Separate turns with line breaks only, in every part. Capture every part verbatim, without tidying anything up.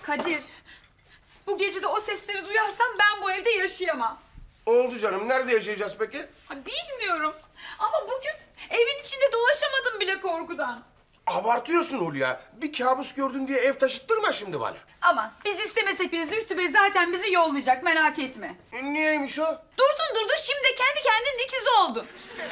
Kadir, bu gece de o sesleri duyarsam ben bu evde yaşayamam.
Oldu canım. Nerede yaşayacağız peki?
Ha, bilmiyorum ama bugün evin içinde dolaşamadım bile korkudan.
Abartıyorsun Hulya. Bir kabus gördün diye ev taşıttırma şimdi bana.
Aman biz istemesek bile Zühtü Bey zaten bizi yollayacak, merak etme.
E, niyeymiş o?
Durdun durdun şimdi de kendi kendinin ikizi oldun.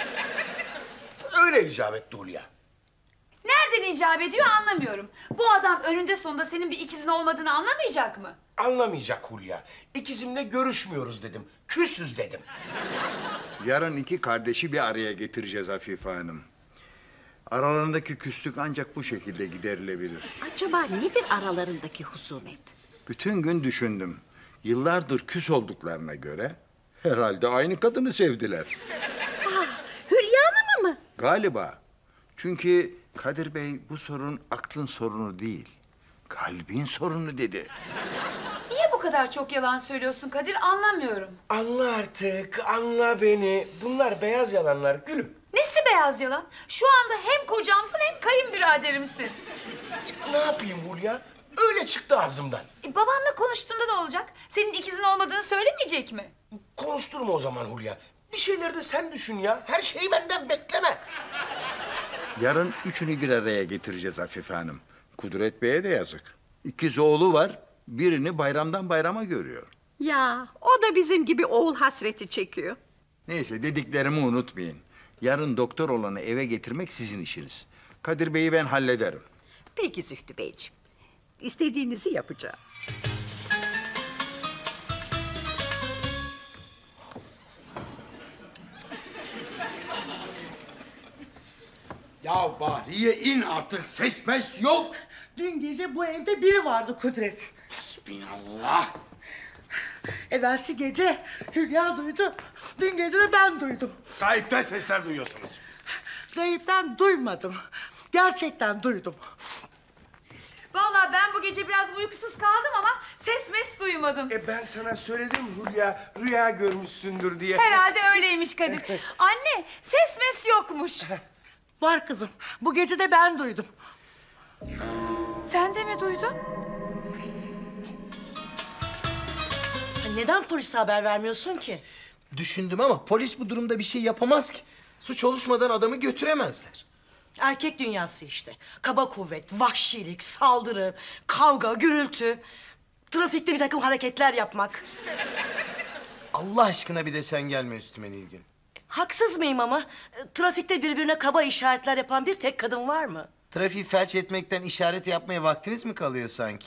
Öyle icap etti Hulya.
Nereden icap ediyor anlamıyorum. Bu adam önünde sonunda senin bir ikizin olmadığını anlamayacak mı?
Anlamayacak Hulya. İkizimle görüşmüyoruz dedim. Küsüz dedim.
Yarın iki kardeşi bir araya getireceğiz Afife Hanım. Aralarındaki küslük ancak bu şekilde giderilebilir.
Acaba nedir aralarındaki husumet?
Bütün gün düşündüm. Yıllardır küs olduklarına göre herhalde aynı kadını sevdiler.
Ah, Hülya Hanım'ı mı?
Galiba. Çünkü Kadir Bey bu sorun aklın sorunu değil, kalbin sorunu dedi.
Niye bu kadar çok yalan söylüyorsun Kadir anlamıyorum.
Anla artık, anla beni. Bunlar beyaz yalanlar gülüm.
Nesi beyaz yalan? Şu anda hem kocamsın hem kayınbiraderimsin.
Ne yapayım Hulya? Öyle çıktı ağzımdan.
E, babamla konuştuğunda ne olacak? Senin ikizin olmadığını söylemeyecek mi?
Konuşturma o zaman Hulya. Bir şeyleri de sen düşün ya. Her şeyi benden bekleme.
Yarın üçünü bir araya getireceğiz Afife Hanım. Kudret Bey'e de yazık. İkiz oğlu var, birini bayramdan bayrama görüyor.
Ya o da bizim gibi oğul hasreti çekiyor.
Neyse dediklerimi unutmayın. Yarın doktor olanı eve getirmek sizin işiniz. Kadir Bey'i ben hallederim.
Peki Zühtü Beyciğim. İstediğinizi yapacağım.
Ya Bahriye in artık, ses mes yok.
Dün gece bu evde biri vardı Kudret.
Hasbinallah.
Evvelsi gece Hülya duydu. Dün gece de ben duydum.
Gayipten sesler duyuyorsunuz.
Gayipten duymadım. Gerçekten duydum.
Vallahi ben bu gece biraz uykusuz kaldım ama ses mes duymadım.
E ben sana söyledim Hulya, rüya görmüşsündür diye.
Herhalde öyleymiş Kadir. Anne ses mes yokmuş.
Var kızım. Bu gece de ben duydum.
Sen de mi duydun?
Neden polise haber vermiyorsun ki?
Düşündüm ama polis bu durumda bir şey yapamaz ki. Suç oluşmadan adamı götüremezler.
Erkek dünyası işte. Kaba kuvvet, vahşilik, saldırı, kavga, gürültü. Trafikte bir takım hareketler yapmak.
Allah aşkına bir de sen gelme üstüme Nilgün.
Haksız mıyım ama? E, Trafikte birbirine kaba işaretler yapan bir tek kadın var mı?
Trafiği felç etmekten işaret yapmaya vaktiniz mi kalıyor sanki?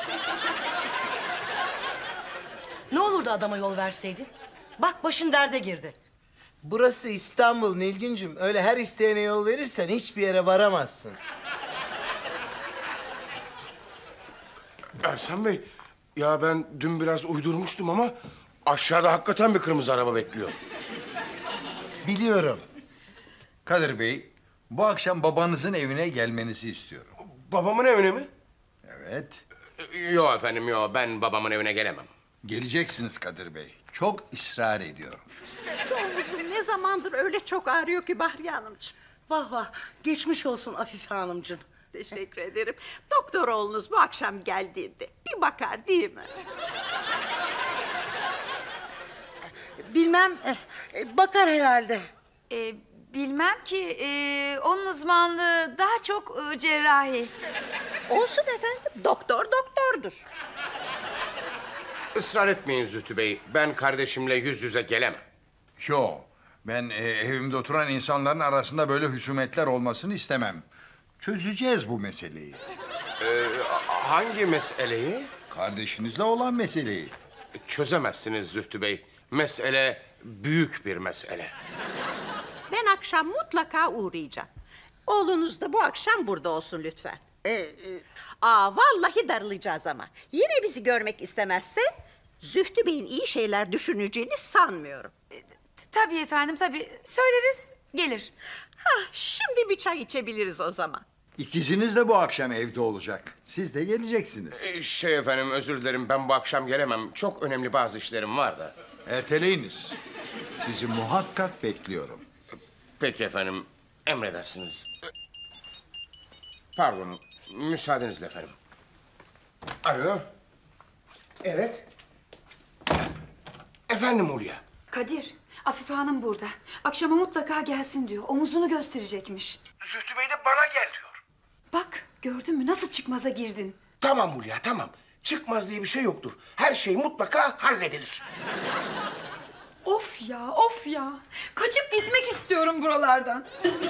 Ne olurdu adama yol verseydin? Bak başın derde girdi.
Burası İstanbul Nilgüncüm. Öyle her isteyene yol verirsen hiçbir yere varamazsın.
Ersan Bey, ya ben dün biraz uydurmuştum ama... ...aşağıda hakikaten bir kırmızı araba bekliyor.
Biliyorum.
Kadir Bey, bu akşam babanızın evine gelmenizi istiyorum.
Babamın evine mi?
Evet,
Yok efendim, yok. Ben babamın evine gelemem.
geleceksiniz Kadir Bey. Çok ısrar ediyorum.
Şu omuzum ne zamandır öyle çok ağrıyor ki Bahriye Hanımcığım.
Vah vah, geçmiş olsun Afife Hanımcığım.
Teşekkür ederim. Doktor oğlunuz bu akşam geldiğinde bir bakar değil mi?
Bilmem, eh, eh, bakar herhalde.
Ee, bilmem ki ee, onun uzmanlığı daha çok ee, cerrahi.
Olsun efendim. Doktor doktordur.
Israr etmeyin Zühtü Bey. Ben kardeşimle yüz yüze gelemem.
Yo, ben e, evimde oturan insanların arasında böyle husumetler olmasını istemem. Çözeceğiz bu meseleyi.
Ee, hangi meseleyi?
Kardeşinizle olan meseleyi.
Çözemezsiniz Zühtü Bey. Mesele büyük bir mesele.
Ben akşam mutlaka uğrayacağım. Oğlunuz da bu akşam burada olsun lütfen. Ee, e, aa vallahi darılacağız ama. Yine bizi görmek istemezse Zühtü Bey'in iyi şeyler düşüneceğini sanmıyorum.
T- Tabii efendim tabii. Söyleriz gelir.
Ha, şimdi bir çay içebiliriz o zaman.
İkiziniz de bu akşam evde olacak. Siz de geleceksiniz.
Ee, şey efendim, özür dilerim. Ben bu akşam gelemem. Çok önemli bazı işlerim var da.
Erteleyiniz. Sizi muhakkak bekliyorum.
Peki efendim. Emredersiniz. Pardon. Müsaadenizle efendim. Alo. Evet. Efendim Hulya.
Kadir, Afife Hanım burada. Akşama mutlaka gelsin diyor. Omuzunu gösterecekmiş.
Zühtü Bey de bana gel diyor.
Bak, gördün mü nasıl çıkmaza girdin?
Tamam Hulya tamam. Çıkmaz diye bir şey yoktur. Her şey mutlaka halledilir.
Of ya, of ya. Kaçıp gitmek istiyorum buralardan.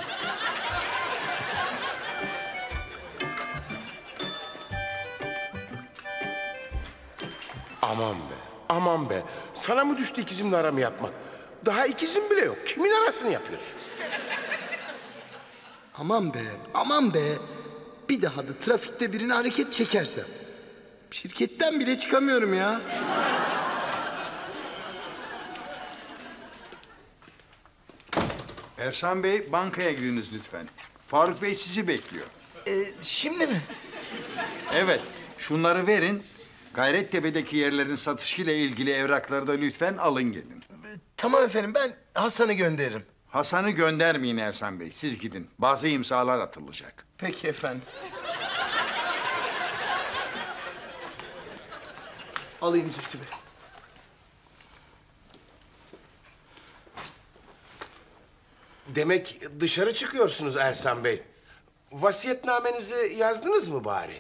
Aman be, aman be. Sana mı düştü ikizimle aramı yapmak? Daha ikizim bile yok. Kimin arasını yapıyorsun?
Aman be, aman be. Bir daha da trafikte birine hareket çekersem. Şirketten bile çıkamıyorum ya.
Ersan Bey, bankaya giriniz lütfen. Faruk Bey sizi bekliyor.
Ee, şimdi mi?
Evet, şunları verin. Gayrettepe'deki yerlerin satışıyla ilgili evrakları da lütfen alın gelin.
Tamam efendim, ben Hasan'ı gönderirim.
Hasan'ı göndermeyin Ersan Bey, siz gidin. Bazı imzalar atılacak.
Peki efendim. Alayım Zühtü Bey.
Demek dışarı çıkıyorsunuz Ersan Bey. Vasiyetnamenizi yazdınız mı bari?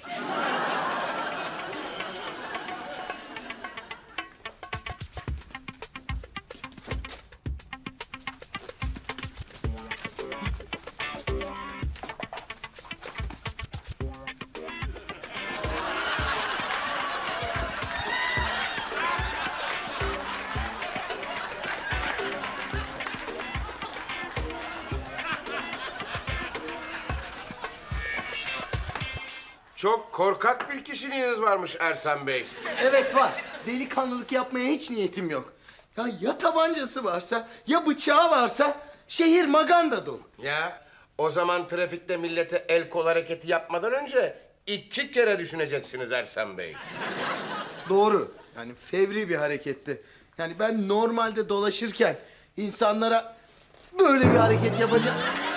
Çok korkak bir kişiliğiniz varmış Ersan Bey.
Evet var. Delikanlılık yapmaya hiç niyetim yok. Ya ya tabancası varsa, ya bıçağı varsa şehir maganda dolu.
Ya o zaman trafikte millete el kol hareketi yapmadan önce iki kere düşüneceksiniz Ersan Bey.
Doğru. Yani fevri bir hareketti. Yani ben normalde dolaşırken insanlara böyle bir hareket yapacağım.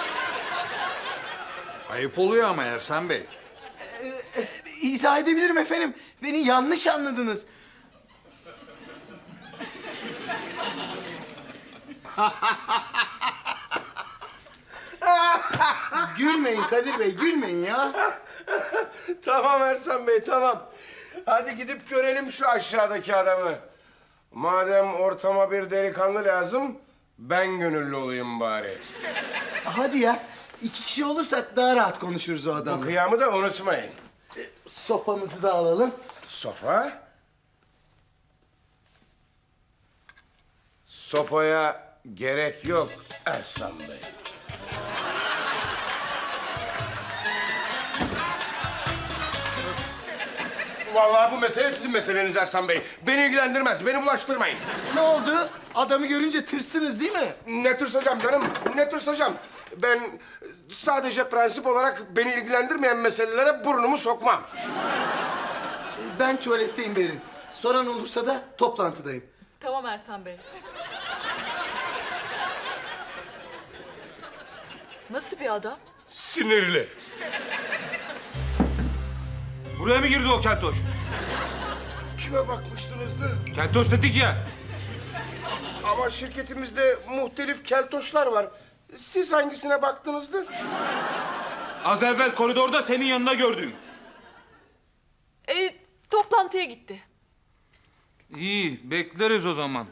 Ayıp oluyor ama Ersan Bey.
İzah edebilirim efendim. Beni yanlış anladınız. Gülmeyin Kadir Bey, gülmeyin ya.
Tamam Ersan Bey tamam. Hadi gidip görelim şu aşağıdaki adamı. Madem ortama bir delikanlı lazım, ben gönüllü olayım bari.
Hadi ya. İki kişi olursak daha rahat konuşuruz o
Bu
adamla.
kıyamı da unutmayın.
Sopamızı da alalım.
Sofa. Sopaya gerek yok Ersan Bey. Vallahi bu mesele sizin meseleniz Ersan Bey. Beni ilgilendirmez, beni bulaştırmayın.
Ne oldu? Adamı görünce tırstınız değil mi?
Ne tırsacağım canım, ne tırsacağım? Ben sadece prensip olarak beni ilgilendirmeyen meselelere burnumu sokmam.
Ben tuvaletteyim Berin. Soran olursa da toplantıdayım.
Tamam Ersan Bey. Nasıl bir adam?
Sinirli.
Buraya mı girdi o keltoş?
Kime bakmıştınızdı?
Keltoş dedik ya.
Ama şirketimizde muhtelif keltoşlar var. Siz hangisine baktınızdı?
Az evvel koridorda senin yanına gördüm.
E, toplantıya gitti.
İyi, bekleriz o zaman.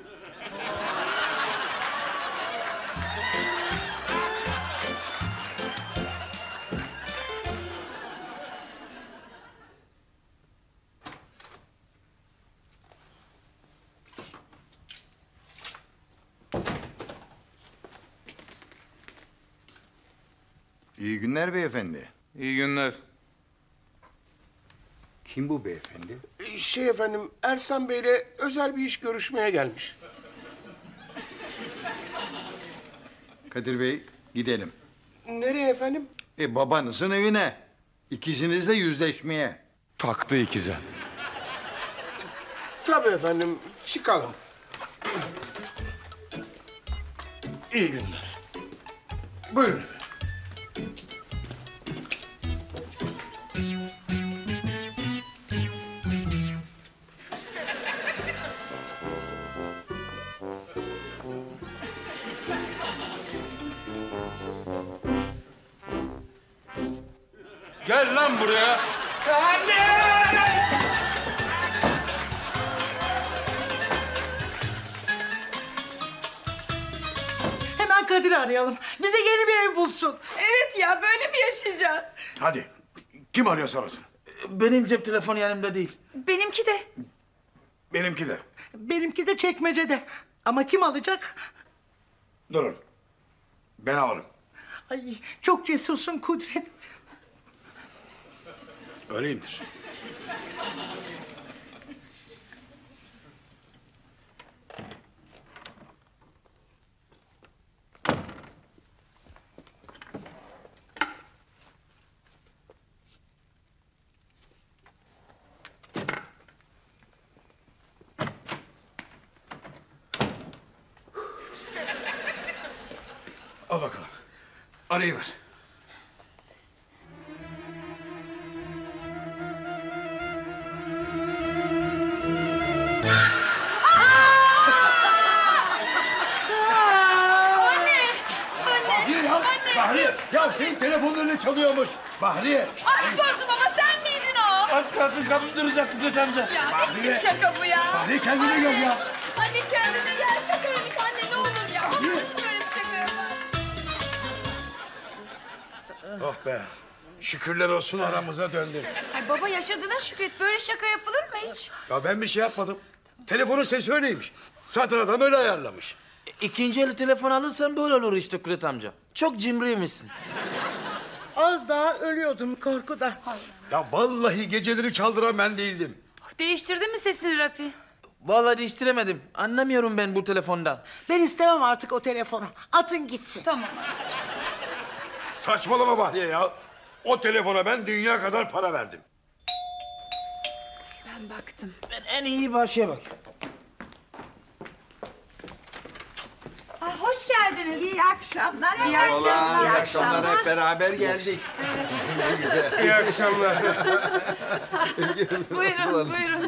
İyi günler beyefendi.
İyi günler.
Kim bu beyefendi?
Ee, Şey efendim, Ersan Bey'le özel bir iş görüşmeye gelmiş.
Kadir Bey, gidelim.
Nereye efendim?
E babanızın evine. İkizinizle yüzleşmeye.
Taktı ikize. Tabii efendim, çıkalım. İyi günler. Buyurun efendim.
Gel lan buraya.
Hemen Kadir'i arayalım. Bize yeni bir ev bulsun.
Evet ya, böyle mi yaşayacağız?
Hadi. Kim arıyorsa arasın.
Benim cep telefonu yanımda değil.
Benimki de.
Benimki de.
Benimki de çekmecede. Ama kim alacak?
Durun. Ben alırım.
Ay çok cesursun Kudret.
Öyleyimdir. Al bakalım. Arayıver. Bahriye ya. Bahriye. Ya senin telefonun öyle çalıyormuş. Bahriye.
Aşk olsun baba, sen miydin o?
Az kalsın kapım duracaktı Kudret amca.
Ya ne
Bahriye.
biçim şaka bu ya?
Bahriye kendine gel ya.
Anne kendine gel, şakaymış anne, ne olur ya. Baba nasıl böyle bir şaka yapar?
Oh be. Şükürler olsun aramıza döndün.
Ay baba, yaşadığına şükret, böyle şaka yapılır mı hiç?
Ya ben bir şey yapmadım. Telefonun sesi öyleymiş. Zaten adam öyle ayarlamış.
İkinci eli telefon alırsan böyle olur işte Kudret amca. Çok cimriymişsin. Az daha ölüyordum korkudan.
Ya vallahi geceleri çaldıran ben değildim.
Değiştirdin mi sesini Rafi?
Vallahi değiştiremedim. Anlamıyorum ben bu telefondan.
Ben istemem artık o telefonu. Atın gitsin.
Tamam.
Saçmalama Bahriye ya. O telefona ben dünya kadar para verdim.
Ben baktım.
Ben en iyi başıya bak.
Ay, hoş geldiniz.
İyi akşamlar.
İyi akşamlar.
İyi akşamlar, hep beraber geldik.
İyi akşamlar.
Buyurun, buyurun.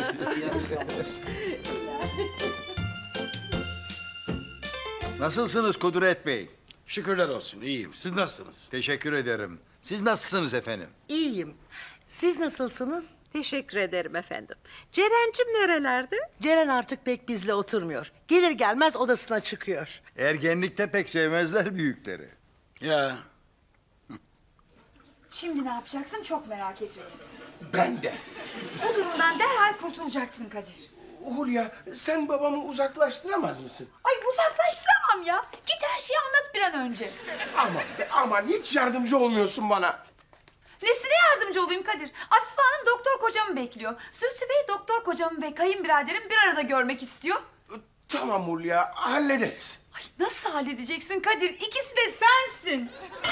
Nasılsınız Kudret Bey?
Şükürler olsun iyiyim. Siz nasılsınız?
Teşekkür ederim. Siz nasılsınız efendim?
İyiyim. Siz nasılsınız?
Teşekkür ederim efendim. Ceren'cim nerelerde?
Ceren artık pek bizle oturmuyor. Gelir gelmez odasına çıkıyor.
Ergenlikte pek sevmezler büyükleri.
Ya
Şimdi ne yapacaksın çok merak ediyorum.
Ben de.
Bu durumdan derhal kurtulacaksın Kadir.
Hulya, sen babamı uzaklaştıramaz mısın?
Ay uzaklaştıramam ya. Git her şeyi anlat bir an önce.
Aman be aman, hiç yardımcı olmuyorsun bana.
Nesine yardımcı olayım Kadir? Afife Hanım doktor kocamı bekliyor. Zühtü Bey doktor kocamı ve kayınbiraderim bir arada görmek istiyor.
Tamam Hulya, hallederiz.
Ay nasıl halledeceksin Kadir? İkisi de sensin.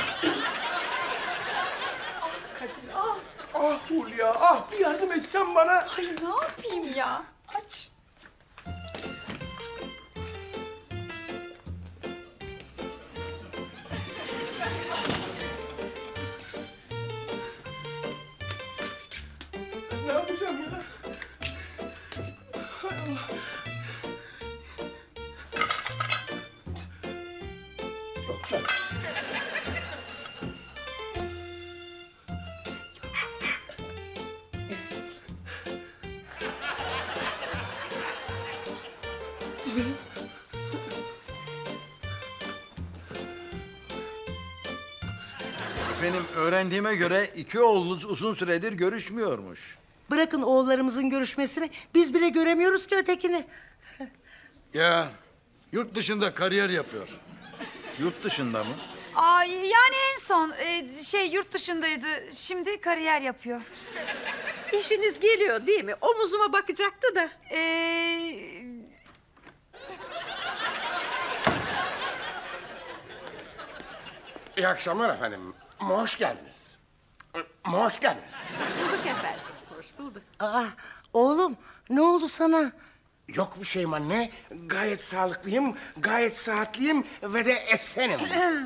Ah Kadir ah.
Ah Hulya, ah bir yardım etsen bana.
Ay ne yapayım ya? Aç.
Ne yapacağım ya? Hay Allah. Yok canım.
Efendim öğrendiğime göre iki oğlunuz uzun süredir görüşmüyormuş.
Bırakın oğullarımızın görüşmesini. Biz bile göremiyoruz ki ötekini.
ya yurt dışında kariyer yapıyor.
Yurt dışında mı?
Ay yani en son e, şey yurt dışındaydı. Şimdi kariyer yapıyor.
İşiniz geliyor değil mi? Omuzuma bakacaktı da.
Ee,
İyi akşamlar efendim. Hoş geldiniz. Hoş geldiniz.
Bulduk efendim. Hoş bulduk.
Aa, oğlum ne oldu sana?
Yok bir şeyim anne. Gayet sağlıklıyım, gayet sıhhatliyim ve de esenim.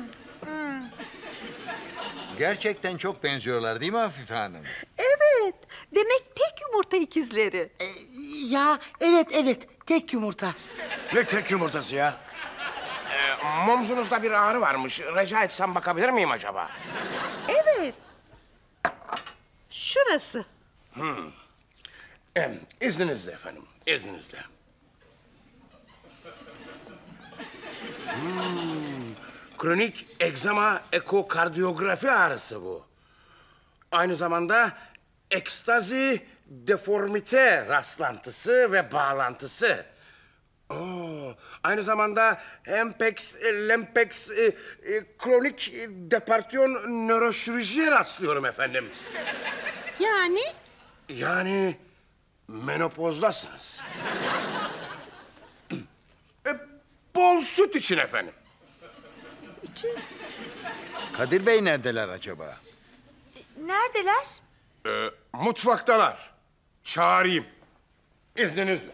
Gerçekten çok benziyorlar değil mi Afife Hanım?
Evet. Demek tek yumurta ikizleri.
Ee, ya evet evet tek yumurta.
Ne tek yumurtası ya?
Ee, Momzunuzda bir ağrı varmış. Rica etsem bakabilir miyim acaba?
Evet. Neresi?
Em, izninizle efendim, izninizle. Hmm, kronik egzama ekokardiyografi ağrısı bu. Aynı zamanda ekstazi deformite rastlantısı ve bağlantısı. Oo, aynı zamanda Hempex, Lempex, e, e, kronik e, departiyon nöroşirurjiye rastlıyorum efendim.
Yani?
Yani menopozdasınız. e, bol süt için efendim.
Kadir Bey neredeler acaba?
Neredeler?
E, mutfaktalar. Çağırayım. İzninizle.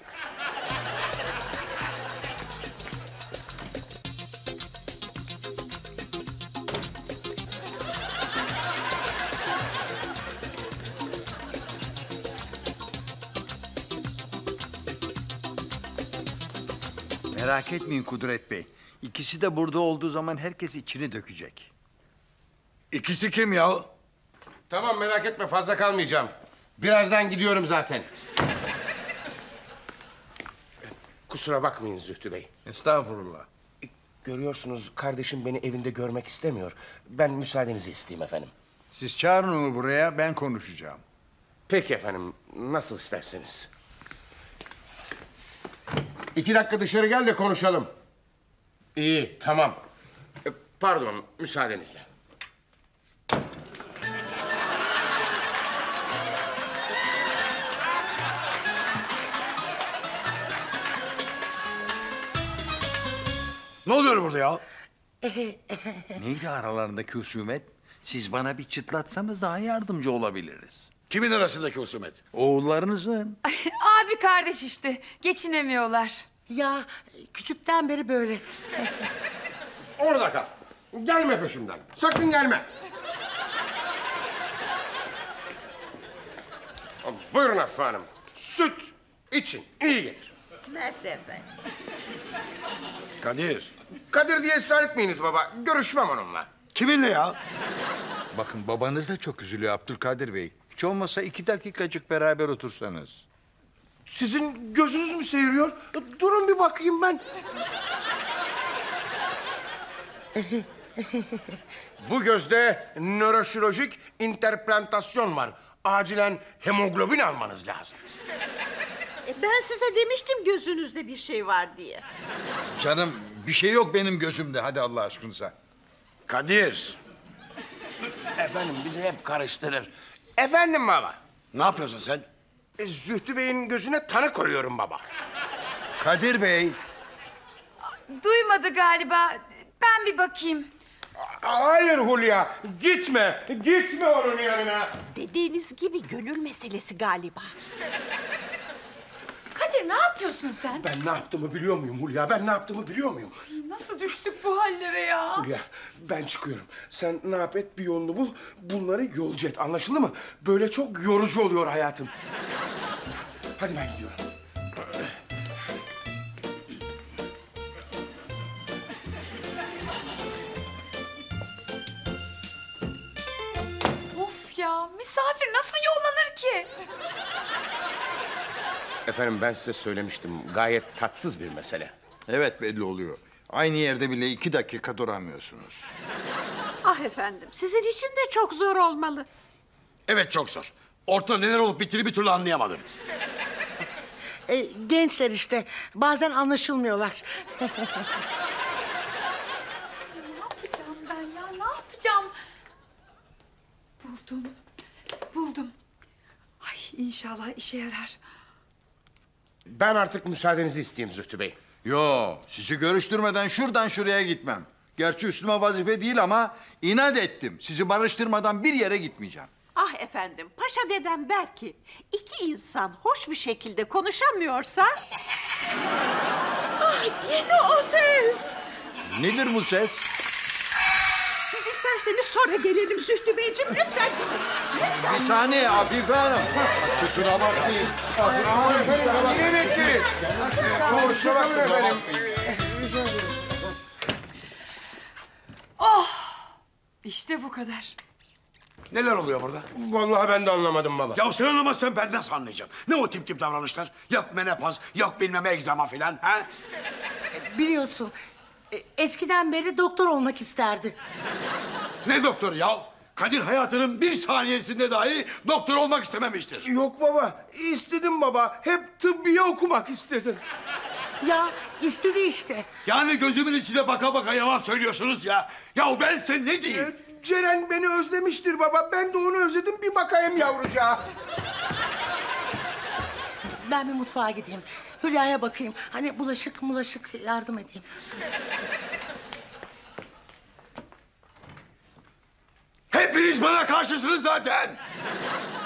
Merak etmeyin Kudret Bey. İkisi de burada olduğu zaman herkes içini dökecek.
İkisi kim ya?
Tamam, merak etme, fazla kalmayacağım. Birazdan gidiyorum zaten. Kusura bakmayın Zühtü Bey.
Estağfurullah.
Görüyorsunuz, kardeşim beni evinde görmek istemiyor. Ben müsaadenizi isteyeyim efendim.
Siz çağırın onu buraya, ben konuşacağım.
Peki efendim, nasıl isterseniz. İki dakika dışarı gel de konuşalım. İyi, tamam. E, Pardon, müsaadenizle.
Ne oluyor burada ya?
Neydi aralarındaki husumet? Siz bana bir çıtlatsanız daha yardımcı olabiliriz.
Kimin arasındaki husumet?
Oğullarınızın.
Abi kardeş işte. Geçinemiyorlar.
Ya küçükten beri böyle.
Orada kal. Gelme peşimden. Sakın gelme. Buyurun Hafife Hanım. Süt için iyi gelir.
Mersi efendim.
Kadir.
Kadir diye ısrar etmeyiniz baba. Görüşmem onunla.
Kiminle ya?
Bakın babanız da çok üzülüyor Abdülkadir Bey. Hiç olmasa iki dakikacık beraber otursanız.
Sizin gözünüz mü seyiriyor? Durun bir bakayım ben. Bu gözde nöroşirurjik interplantasyon var. Acilen hemoglobin almanız lazım.
E, ben size demiştim gözünüzde bir şey var diye.
Canım bir şey yok benim gözümde. Hadi Allah aşkınıza.
Kadir.
Efendim bizi hep karıştırır. Efendim baba.
Ne yapıyorsun sen?
E, Zühtü Bey'in gözüne tanı koyuyorum baba.
Kadir Bey.
Duymadı galiba. Ben bir bakayım.
Hayır Hulya. Gitme. Gitme onun yanına.
Dediğiniz gibi gönül meselesi galiba.
Kadir ne yapıyorsun sen?
Ben ne yaptığımı biliyor muyum Hulya? Ben ne yaptığımı biliyor muyum?
Nasıl düştük bu hallere ya?
Hulya ben çıkıyorum. Sen ne yap et bir yolunu bul. Bunları yolcu et. Anlaşıldı mı? Böyle çok yorucu oluyor hayatım. Hadi ben gidiyorum.
Of ya, misafir nasıl yollanır ki?
Efendim ben size söylemiştim. Gayet tatsız bir mesele.
Evet belli oluyor. Aynı yerde bile iki dakika duramıyorsunuz.
Ah efendim, sizin için de çok zor olmalı.
Evet çok zor. Ortada neler olup bittiğini bir türlü anlayamadım.
E, gençler işte bazen anlaşılmıyorlar.
Ne yapacağım ben ya, ne yapacağım? Buldum, buldum. Ay inşallah işe yarar.
Ben artık müsaadenizi isteyeyim Zühtü Bey.
Yo, sizi görüştürmeden şuradan şuraya gitmem. Gerçi üstüme vazife değil ama inat ettim. Sizi barıştırmadan bir yere gitmeyeceğim.
Ah efendim, paşa dedem der ki... ...iki insan hoş bir şekilde konuşamıyorsa... Ah yine o ses!
Nedir bu ses?
Biz isterseniz sonra gelelim Zühtü Beyciğim, lütfen gidin. Lütfen.
Bir saniye Afife Hanım. Kusura bakmayın.
Aman efendim yine bekleriz. Konuşalım efendim.
Oh, işte bu kadar.
Neler oluyor burada?
Vallahi ben de anlamadım baba.
Ya sen anlamazsan ben nasıl anlayacağım? Ne o tip tip davranışlar? Yok menopaz, yok bilmem egzama filan. Ha?
Biliyorsun e, eskiden beri doktor olmak isterdi.
Ne doktoru ya? Kadir hayatının bir saniyesinde dahi doktor olmak istememiştir.
Yok baba, istedim baba. Hep tıbbiye okumak istedim.
Ya istedi işte.
Yani gözümün içine baka baka yalan söylüyorsunuz ya. Ya ben size ne diyeyim?
Ee, Ceren beni özlemiştir baba. Ben de onu özledim. Bir bakayım yavrucağa.
Ben bir mutfağa gideyim. Hülya'ya bakayım. Hani bulaşık bulaşık yardım edeyim.
Hepiniz bana karşısınız zaten.